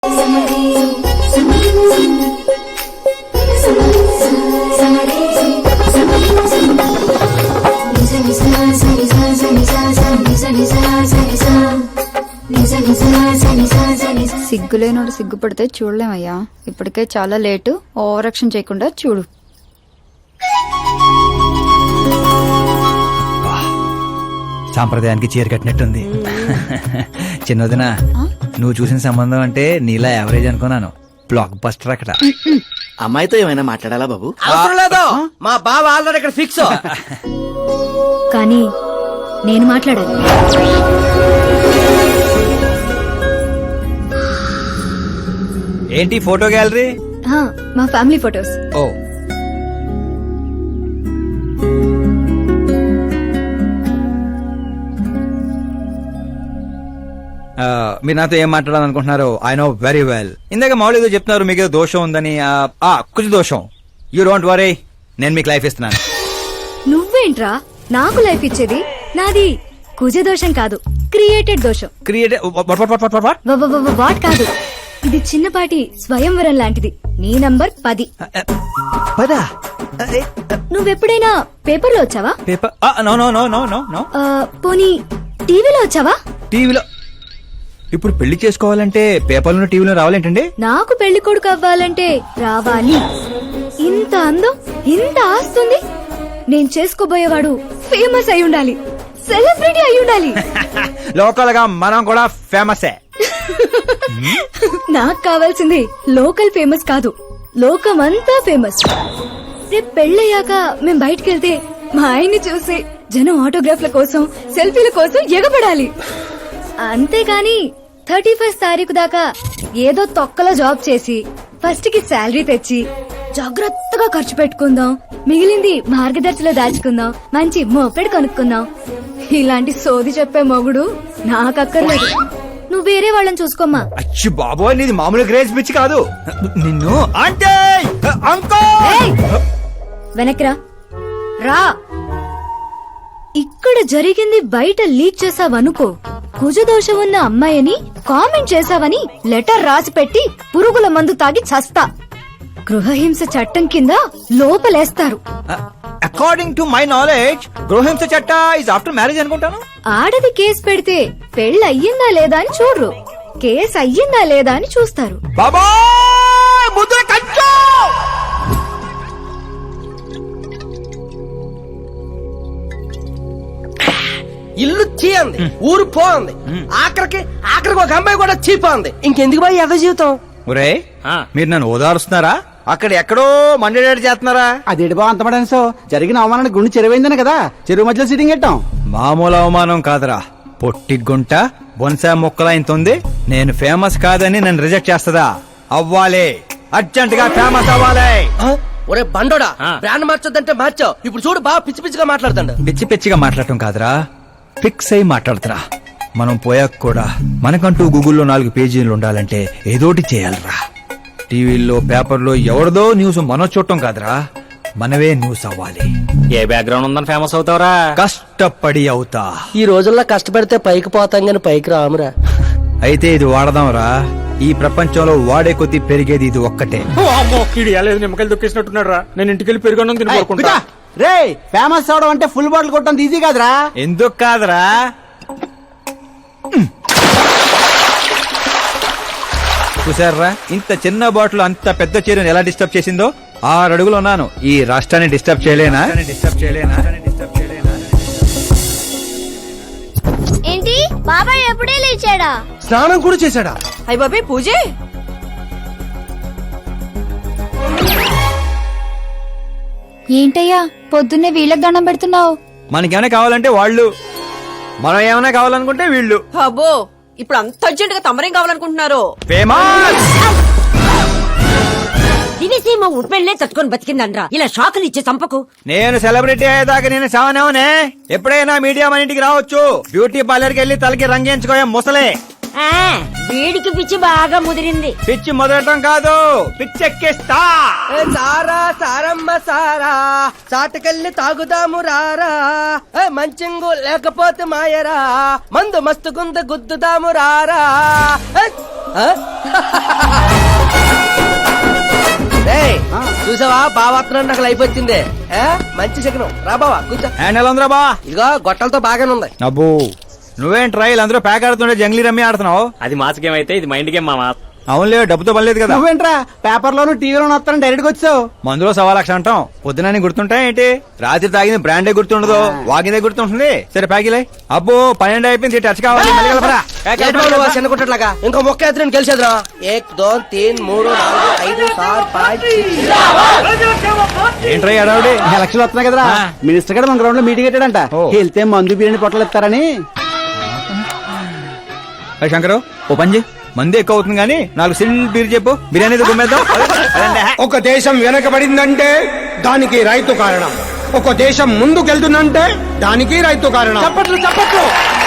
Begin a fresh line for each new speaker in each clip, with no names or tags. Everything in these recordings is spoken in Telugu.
సిగ్గులేనోడు సిగ్గుపడితే చూడలేమయ్యా. ఇప్పటికే చాలా లేటు. ఓవర్ యాక్షన్ చేయకుండా చూడు.
సాంప్రదాయానికి చీర కట్టినట్టుంది. చిన్నదిన నువ్వు చూసిన సంబంధం అంటే నీలా యావరేజ్ అనుకున్నాను. బ్లాక్ బస్టర్ అక్కడ.
అమ్మాయితో ఏమైనా మాట్లాడాలా బాబు?
అవసరం లేదు, మా బావ ఆల్రెడీ ఇక్కడ ఫిక్స్.
కానీ నేను మాట్లాడాలి.
ఏంటి ఫోటో గ్యాలరీ?
మా ఫ్యామిలీ ఫొటోస్.
ఓ మీరు నాతో ఏం మాట్లాడాలనుకుంటున్నారు? I know very well. ఇందాక మామూలు ఏదో చెప్తున్నారు, మీకు ఏదో దోషం ఉందని. కుజ దోషం. యూ డోంట్ వరీ, నేను మీకు లైఫ్ ఇస్తున్నాను.
నువ్వేంట్రా నాకు లైఫ్ ఇచ్చేది? నాది కుజ దోషం కాదు, క్రియేటెడ్ దోషం. వాట్ కాదు, ఇది చిన్నపాటి స్వయంవరం లాంటిది. నీ నంబర్ 10. నువ్వెప్పుడైనా పేపర్లో వచ్చావా?
Paper? No no no no no no.
పోనీ టీవీలో వచ్చావా?
టీవీలో? ఇప్పుడు పెళ్లి చేసుకోవాలంటే పేపర్లో టీవీలో రావాలేంటండి?
నాకు పెళ్లి కొడుకు అవ్వాలంటే రావాలి. ఇంత అందం, ఇంత ఆస్తుంది. నేను చేసుకోబోయేవాడు ఫేమస్ అయి ఉండాలి, సెలబ్రిటీ అయి ఉండాలి.
లోకల్ గా మనం కూడా ఫేమసే.
నాకు కావాల్సింది లోకల్ ఫేమస్ కాదు, లోకమంతా ఫేమస్. రేపు పెళ్ళయ్యాక మేం బయటకెళ్తే మా ఆయన్ని చూసి జనం ఆటోగ్రాఫ్ల కోసం, సెల్ఫీల కోసం ఎగబడాలి. అంతేగాని 31st తారీఖు దాకా ఏదో తొక్కలో జాబ్ చేసి ఫస్ట్ కి శాలరీ తెచ్చి జాగ్రత్తగా ఖర్చు పెట్టుకుందాం, మిగిలింది మార్గదర్శిలో దాచుకుందాం, మంచి మోపెడు కొనుక్కుందాం. ఇలాంటి సోది చెప్పే మొగుడు నాకక్కర్లేదు. నువ్వు వేరే వాళ్ళని చూసుకోమ్మా.
అచ్చి బాబోయ్, నీది మామూలు గ్రేజ్ పిచ్చి కాదు. నిన్ను అంటే
వెనక్రా రా. ఇక్కడ జరిగింది బయట లీక్ చేసావనుకో, కుజదోషం ఉన్న అమ్మాయిని కామెంట్ చేసావని లెటర్ రాసి పెట్టి పురుగుల మందు తాగి చస్తా. గృహహింస చట్టం కింద లోపలేస్తారు.
అకార్డింగ్ టు మై నాలెడ్జ్ గృహహింస చట్ట ఇస్ ఆఫ్టర్ మ్యారేజ్ అనుకుంటాను.
ఆడది కేసు పెడితే పెళ్లి అయ్యిందా లేదా అని చూడరు, కేసు అయ్యిందా లేదా అని చూస్తారు.
ఇల్లు చీయంది, ఊరు పోంది, ఆఖరికి ఒక అమ్మాయి కూడా చీపోంది. ఇంకెందుకు బాయ్ ఎద జీవితం?
ఒరే, మీరు నన్ను ఓదారుస్తున్నారా? అక్కడ ఎక్కడో మండేడాడు చేస్తున్నారా?
అదేడు బా అంత పడాను. జరిగిన అవమానానికి గుండె చెరువైందని కదా చెరువు మధ్యలో సిట్టింగ్ పెట్టాం.
మామూలు అవమానం కాదురా, పొట్టి గుంట బొన్సా మొక్కలా ఇంత ఉంది. నేను ఫేమస్ కాదని నన్ను రిజెక్ట్ చేస్తదా? అవ్వాలి, అర్జెంట్ గా ఫేమస్ అవ్వాలి.
ఒరే బండోడా, బ్రాండ్ మార్చొద్దంటే మార్చావు. ఇప్పుడు చూడు బాగా పిచ్చి పిచ్చిగా మాట్లాడుతాడు.
పిచ్చి పిచ్చిగా మాట్లాడటం కాదురా, ఫిక్స్ అయి మాట్లాడుతురా. మనం పోయాక కూడా మనకంటూ గూగుల్లో 4 పేజీలు ఉండాలంటే ఏదోటి చేయాలరా. టీవీల్లో పేపర్లో ఎవరిదో న్యూస్ మనం చూడటం కాదురా, మనవే న్యూస్ అవ్వాలి.
ఏ బ్యాక్గ్రౌండ్ ఉందని ఫేమస్ అవుతావురా?
కష్టపడి అవుతా.
ఈ రోజుల్లో కష్టపడితే పైకి పోతాం గాని పైకి రామురా.
అయితే ఇది వాడదాంరా. ఈ ప్రపంచంలో వాడే కొద్దీ పెరిగేది ఇది ఒక్కటే.
నిమ్మకాయలు దొక్కేసినట్టున్నాడు రా. నేను ఇంటికెళ్ళి పెరుగొన్నం తినుకుంటా.
రే, ఫేమస్ అవడం అంటే ఫుల్ బాటిల్ కొట్టడం ఈజీ కాదురా.
ఎందుకు కాదురా? చూసారా, ఇంత చిన్న బాటిల్ అంత పెద్ద చీరను ఎలా డిస్టర్బ్ చేసిందో. 6 అడుగులు ఉన్నాను. ఈ రాష్ట్రాన్ని డిస్టర్బ్ చేయలేనా?
ఏంటి బాబాయ్ ఎప్పుడే లేచాడా?
స్నానం కూడా చేశాడా?
అయ్య బాబాయ్ పూజే.
ఏంటయ్యా పొద్దున్నే వీళ్ళకి దండం పెడుతున్నావు?
మనకేమైనా కావాలంటే వాళ్ళు, మనం ఏమైనా కావాలనుకుంటే వీళ్ళు.
అబ్బో, ఇప్పుడు అంత అర్జెంట్ గా తమరేం కావాలనుకుంటున్నారు?
ఫేమస్.
దివిసీమ ఉప్పెళ్లే తట్టుకొని బతికిందనరా, ఇలా షాకులు ఇచ్చే చంపకు.
నేను సెలబ్రిటీ అయ్యేదాకా నేను సావనేవనే. ఎప్పుడైనా మీడియా మన ఇంటికి రావచ్చు. బ్యూటీ పార్లర్కి వెళ్ళి తలకి రంగేయించుకోయా ముసలే.
వీడికి పిచ్చి బాగా ముదిరింది.
పిచ్చి మొదలటం కాదు, పిచ్చెక్కిస్తా.
సారా సారమ్మ సారా, చాటకెళ్ళి తాగుదాము రారా. మంచింగు లేకపోతే మాయరా, మందు మస్తుగుంద గుద్దుదాము రారా. ఆ? ఏయ్, చూసావా బావాత్రం నాకు లైఫ్ వచ్చింది ఆ? మంచి శకనం రా బావా కూర్చో.
హ్యాండ్ ఎలా ఉందిరా బా
ఇదిగో గొట్టలతో బాగానే ఉంది.
అబ్బో నువ్వేం ట్రైల్ అందరూ ప్యాక్ ఆడుతుండే జంగ్లీ రమ్మి ఆడుతున్నావు.
అది మాస్ గేమ్ అయితే ఇది మైండ్ గేమ్ మామా.
అవునులే డబ్బుతో పని లేదు కదా.
నువ్వేంట్రా పేపర్ లోను టీవీలోను వస్తాను డైరెక్ట్ గా వచ్చావు.
మందులో 1,00,000 అంటాం పొద్దునని గుర్తుంటాయి ఏంటి? రాత్రి తాగింది బ్రాండే గుర్తుండదు, వాగిందే గుర్తుంటుంది. సరే ప్యాకిలే. అబ్బో 12 అయిపోయింది, టచ్ కావాలి మళ్ళీ కలపరా.
ఏంటి బాబు నువ్వు చిన్న కుట్టట్లాగా ఇంకో మొక్క ఎత్తున గెలిచేద్రా. 1 2 3 4 5 6 5
ఏంట్రై అడావుడి?
ఎలక్షన్ వస్తున్నాయి కదరా,
ఆ.
మినిస్టర్ గారు మన గ్రౌండ్ లో మీటింగ్ పెట్టాడంట.
ఓ.
వెళ్తే మందు బిర్యానీ పొట్టలు ఇస్తారని.
శంకరు ఓ పంజి మంది ఎక్కువ అవుతుంది కానీ 4 సిల్ బీర్ చెప్పు, బిర్యానీ గుమ్మేద్దాం.
ఒక దేశం వెనకబడిందంటే దానికి రైతు కారణం. ఒక దేశం ముందుకెళ్తుందంటే దానికి రైతు కారణం.
చప్పట్లు చప్పట్లు.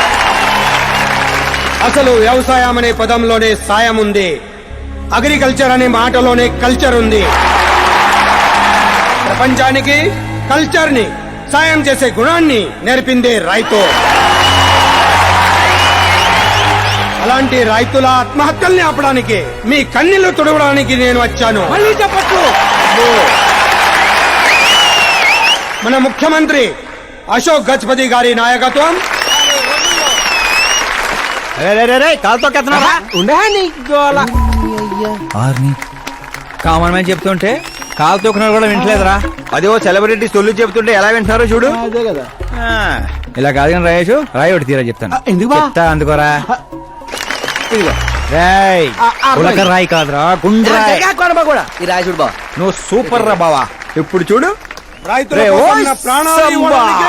అసలు వ్యవసాయం అనే పదంలోనే సాయం ఉంది. అగ్రికల్చర్ అనే మాటలోనే కల్చర్ ఉంది. ప్రపంచానికి కల్చర్ ని, సాయం చేసే గుణాన్ని నేర్పిందే రైతు. అలాంటి రైతుల ఆత్మహత్యల్ని ఆపడానికి, మీ కన్నీళ్లు తుడవడానికి నేను వచ్చాను.
మళ్ళీ చప్పట్లు.
మన ముఖ్యమంత్రి అశోక్ గజపతి గారి నాయకత్వం,
కాలుతో కెత్తనారా
ఉండే నీ గోల.
కామన్ మ్యాన్ చెప్తుంటే కాలు తొక్కున్నారు కూడా వింటలేదురా. అదే ఓ సెలబ్రిటీ సొల్లు చెప్తుంటే ఎలా వింటున్నారో చూడు.
అదే కదా.
ఆ, ఇలా కాదు కానీ రాయేషు రాయి ఒకటి తీరా చెప్తాను.
ఎందుకు బా?
చెప్తా అందుకోరా.
ఇదిగో.
రాయ్
ఆ
ఉలక రాయి కాదురా, గుండ్రాయ్.
కూడా ఈ రాజుడు బావ
నువ్వు సూపర్ రా బావా. ఇప్పుడు చూడు
రైతుల
రే,
కోసం
ఓయ్
నా ప్రాణాలు
సంబా.
ఇవ్వడానికే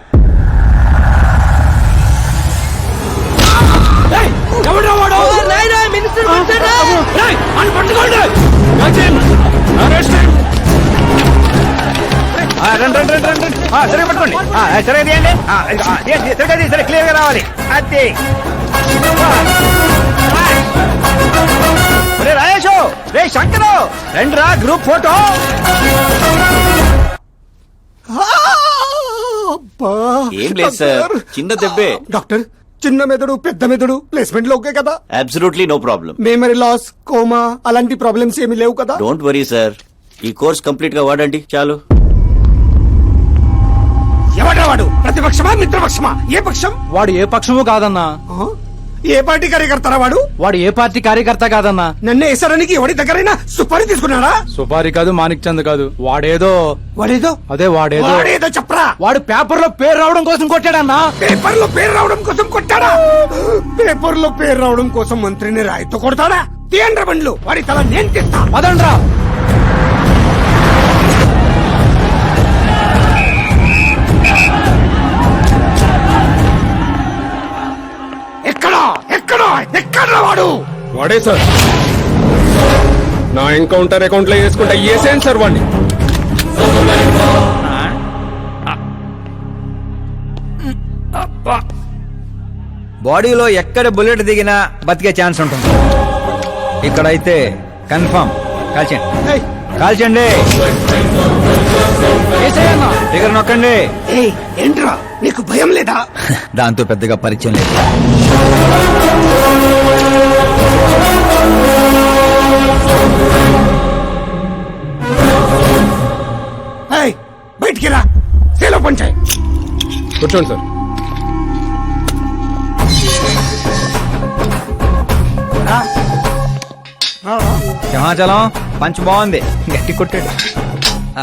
ఆ, రండి, రండి, రండి, రండి. ఆ, సరే పట్టుకోండి. ఆ, సరే తీయండి. ఆ, తీయండి, సరిగ్గా తీయండి, సరే క్లియర్ గా రావాలి. అది రే రాయేషు, రే శంకరు, రండి రా గ్రూప్ ఫోటో.
ఏం లేదు సార్, చిన్న దెబ్బే.
డాక్టర్, చిన్న మెదడు పెద్ద మెదడు ప్లేస్మెంట్ లో ఓకే కదా?
Absolutely no problem.
Memory loss, coma అలాంటి ప్రాబ్లమ్స్ ఏమీ లేవు కదా?
డోంట్ వరీ సార్, ఈ కోర్స్ కంప్లీట్ గా వాడండి చాలు.
ఎవడా వాడు? ప్రతిపక్షమా మిత్రపక్షమా? ఏ పక్షం?
వాడు ఏ పక్షము కాదన్నా.
ఆ? ఏ పార్టీ కార్యకర్తారా వాడు?
వాడు ఏ పార్టీ కార్యకర్త కాదన్నా.
నన్ను వేసడానికి ఎవడి దగ్గరైనా సుపారీ తీసుకున్నాడా?
సుపారి కాదు, మాణిక్ చంద్ కాదు, వాడేదో
వాడేదో వాడేదో చెప్పరా.
వాడు పేపర్ లో పేరు రావడం కోసం కొట్టాడన్నా.
పేపర్ లో పేరు రావడం కోసం కొట్టాడా? పేపర్ లో పేరు రావడం కోసం మంత్రిని రాయితో కొడతాడా? తీయండ్ర బండ్లు, వాడి తల నేను తీస్తా.
పదండ్రా.
ఎక్కడా ఎక్కడా ఎక్కడా వాడు?
వాడే సార్. నా ఎన్కౌంటర్ అకౌంట్ లో వేసుకుంటా ఏసేం సార్ వాడిని.
బాడీలో ఎక్కడ బుల్లెట్ దిగినా బతికే ఛాన్స్ ఉంటుంది. ఇక్కడైతే కన్ఫర్మ్. కాల్చండి,
ఏయ్,
కాల్చండి. దగ్గర నొక్కండి.
ఏయ్, ఏంట్రా నీకు భయం లేదా?
దాంతో పెద్దగా పరిచయం లేదు.
ఏయ్, బయటికి రా, సేలో పంచాయి.
కూర్చోండి సార్.
సింహాచలం పంచ్ బాగుంది, గట్టి కొట్టాడు. ఆ.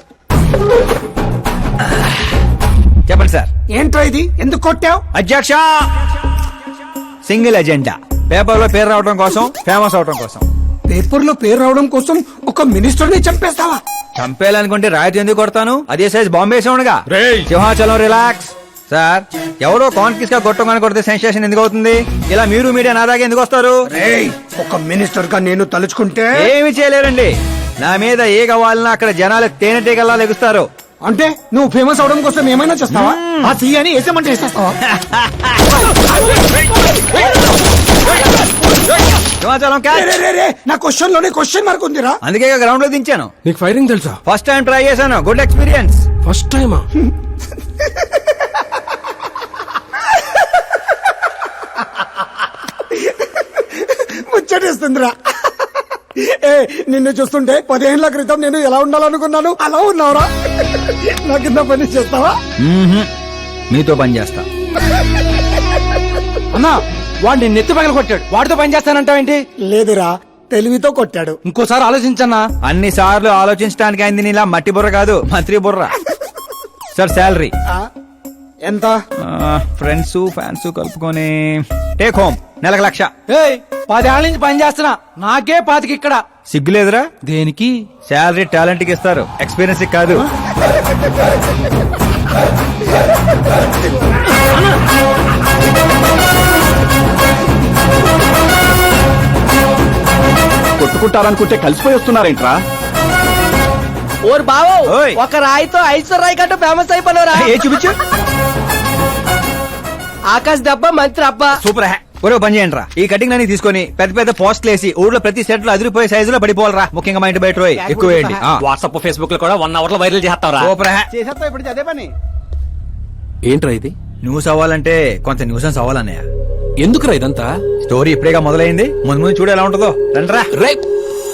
చెప్పండి సార్.
ఏంట్రా ఇది? ఎందుకు కొట్టావు?
అధ్యక్ష, సింగిల్ ఎజెండా, పేపర్ లో పేరు రావడం కోసం, ఫేమస్ అవడం కోసం.
పేపర్ లో పేరు రావడం కోసం ఒక మినిస్టర్ ని చంపేస్తావా?
చంపేయాలనుకుంటే రాయితీ ఎందుకు కొడతాను? అదే సైజ్ బాంబే సౌండ్గా.
రేయ్.
సింహాచలం రిలాక్స్. సార్, ఎవరో కాన్ఫిస్ గా కొట్టగానే కొడితే సెన్సేషన్ ఎందుకు అవుతుంది? ఇలా మీరు మీడియా నా దాకా ఎందుకు వస్తారు?
ఏయ్, ఒక మినిస్టర్ గా నేను తలుచుకుంటే
ఏమి చేయలేరండి. నా మీద ఏ కావాలన్నా అక్కడ జనాలు తేనెటీగల్లా లెగుస్తారు.
అంటే నువ్వు ఫేమస్ అవడం కోసం ఏమైనా చేస్తావా? ఆ సీఎని వేసేమంటే వేసేస్తావా?
సింహాచలం క్యాచ్.
రే, రే, రే, నా క్వశ్చన్ లోనే క్వశ్చన్ మార్క్ ఉందిరా.
అందుకే గ్రౌండ్ లో దించాను.
నీకు ఫైరింగ్ తెలుసా?
ఫస్ట్ టైం ట్రై చేశాను, గుడ్ ఎక్స్పీరియన్స్.
ఫస్ట్ టైమా?
ముచ్చటిస్తుందిరా. ఏ నిన్ను చూస్తుంటే 10 ఏళ్ల క్రితం నేను ఎలా ఉండాలనుకున్నాను అలా ఉన్నావురా. నా కింద పని చేస్తావా?
మీతో పని చేస్తా.
అన్నా వాడు నిన్ను ఎత్తి పగల కొట్టాడు, వాడితో పని చేస్తానంటావేంటి?
లేదురా, తెలివితో కొట్టాడు.
ఇంకోసారి ఆలోచించన్నా.
అన్ని సార్లు ఆలోచించడానికి అయింది నీలా మట్టి బుర్ర కాదు, మంత్రి బుర్ర. సార్ శాలరీ
ఎంత?
ఫ్రెండ్స్ ఫ్యాన్స్ కలుపుకొని టేక్ హోమ్ నెలకు 1,00,000.
10 ఏళ్ల నుంచి పని చేస్తున్నా, నాకే 25 ఇక్కడ.
సిగ్గులేదురా?
దేనికి?
శాలరీ టాలెంట్ కి ఇస్తారు, ఎక్స్పీరియన్స్ కి కాదు.
కొట్టుకుంటారనుకుంటే కలిసిపోయి వస్తున్నారేంట్రా?
ఓరు బావో,
ఓయ్.
ఒక రాయితో ఐశ్వర్ రాయ్ కంటే ఫేమస్ అయిపోయినరా.
ఏ చూపించు.
ఆకాశ్ దెబ్బ మంత్రి అబ్బా.
సూపర్ హ్యా. ఒరే పని చేయండి రా, ఈ కటింగ్ అన్ని తీసుకొని పెద్ద పెద్ద పోస్టులు వేసి ఊర్లో ప్రతి సెట్ లో అదిరిపోయే సైజులో పడిపోవాలరా. ముఖ్యంగా మా ఇంటి బయట రోయ్ ఎక్కువ వేయండి.
వాట్సాప్ ఫేస్బుక్ లో కూడా 1 అవర్ లో వైరల్ చేస్తావరా?
సూపర్ హ్యా.
చేసేస్తా ఇప్పుడు అదే పని.
ఏంట్రా ఇది?
న్యూస్ అవ్వాలంటే కొంత న్యూసెన్స్ అవ్వాలన్నయ్య.
ఎందుకురా ఇదంతా?
స్టోరీ ఇప్పుడేగా మొదలైంది, ముందు ముందు చూడు ఎలా ఉంటుందో. రండ్రా.
రేయ్